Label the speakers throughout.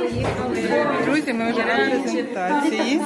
Speaker 1: Друзі, ми вже на презентації.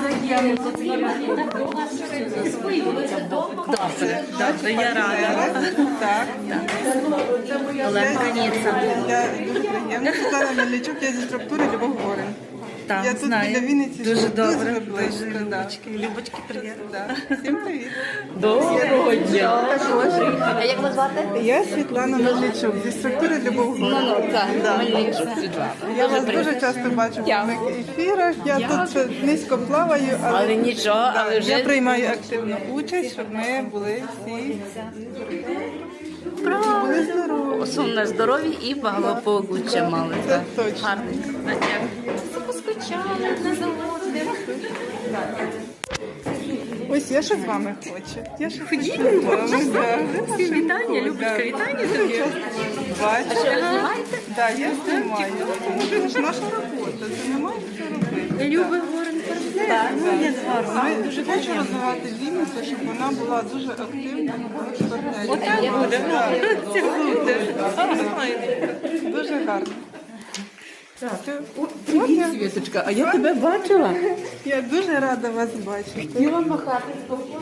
Speaker 2: Добре, я рада.
Speaker 1: Так.
Speaker 2: Оленка Ніця.
Speaker 1: Я дуже приємно. Світлана Мельничук, я зі структури Любов Горин.
Speaker 2: Так,
Speaker 1: Я тут
Speaker 2: знаю.
Speaker 1: біля Вінниці.
Speaker 2: Дуже добре.
Speaker 1: близько. Да.
Speaker 2: Любочки, привіт.
Speaker 1: Да. Всім привіт.
Speaker 2: Доброго дня. А як вас звати?
Speaker 1: Я Світлана Мельничук, зі структури Любов Горин. Я вас дуже часто бачу в моїх ефірах. Я тут низько плаваю,
Speaker 2: Але нічого, але
Speaker 1: я
Speaker 2: вже
Speaker 1: приймаю активну участь, щоб ми були всі були здорові.
Speaker 2: особливо здорові і благополуччя мали.
Speaker 1: Це
Speaker 2: Так.
Speaker 1: точно.
Speaker 2: Гарненько. Дякую. Поскучали, не заводимо.
Speaker 1: Ось я ще з вами хочу. Я ще хочу.
Speaker 2: Всім вітання, Любочка, вітання тобі.
Speaker 1: Бачу.
Speaker 2: А що, ви знімаєте?
Speaker 1: Так, я знімаю. Тому що наша робота, це немає що робити.
Speaker 2: Люби Горин партнер. Ну, я гарно.
Speaker 1: Ми дуже хочу розвивати Вінницю, щоб вона була дуже активна в партнері.
Speaker 2: Отак буде. Це буде.
Speaker 1: Дуже гарно.
Speaker 3: Привіт, Світочка, а я тебе бачила.
Speaker 1: Я дуже рада вас бачити.
Speaker 3: Хотіла махати.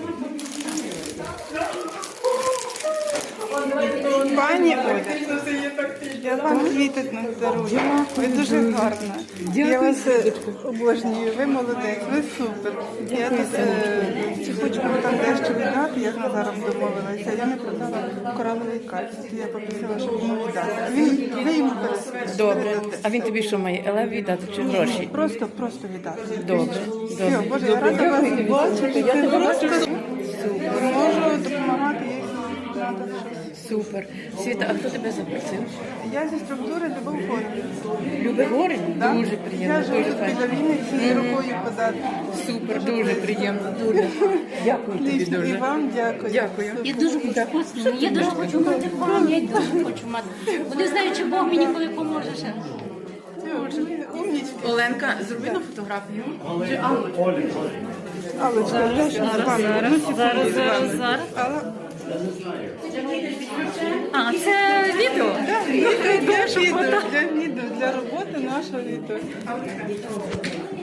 Speaker 1: Пані Оля, я вам квіти дарую. Ви дуже гарна. Я вас обожнюю. Ви молодець, ви супер. Я тут хочу вам там дещо віддати, я з Назаром домовилася. Я не продала кораловий кальцій. Я попросила, щоб йому віддати. Ви йому пересвідчите.
Speaker 3: Добре. А він тобі що має? Елев віддати чи гроші?
Speaker 1: Просто віддати.
Speaker 3: Добре.
Speaker 1: Все, Боже, я рада вас бачити. Я тебе просто супер. Можу допомагати, якщо треба щось.
Speaker 3: Супер. Світа, а хто тебе запросив?
Speaker 1: Я зі структури Любов Горин.
Speaker 3: Любе Горин?
Speaker 1: Да?
Speaker 3: Дуже приємно.
Speaker 1: Я живу
Speaker 3: Дуже
Speaker 1: біля
Speaker 3: файно.
Speaker 1: Вінниці, рукою подати.
Speaker 3: Супер, дуже приємно. Дуже. Дякую тобі
Speaker 1: І
Speaker 3: дуже.
Speaker 1: вам дякую.
Speaker 3: Дякую.
Speaker 4: Я дуже хочу, я дуже хочу мати пам'ять, дуже хочу мати. Бо не знаю, чи Бог мені коли поможе ще.
Speaker 1: Умнічки.
Speaker 3: Оленка, зроби на фотографію.
Speaker 1: Аллочка, я ще з вами.
Speaker 4: Зараз.
Speaker 1: Алла,
Speaker 4: А, це відео?
Speaker 1: для відео, для роботи нашого відео.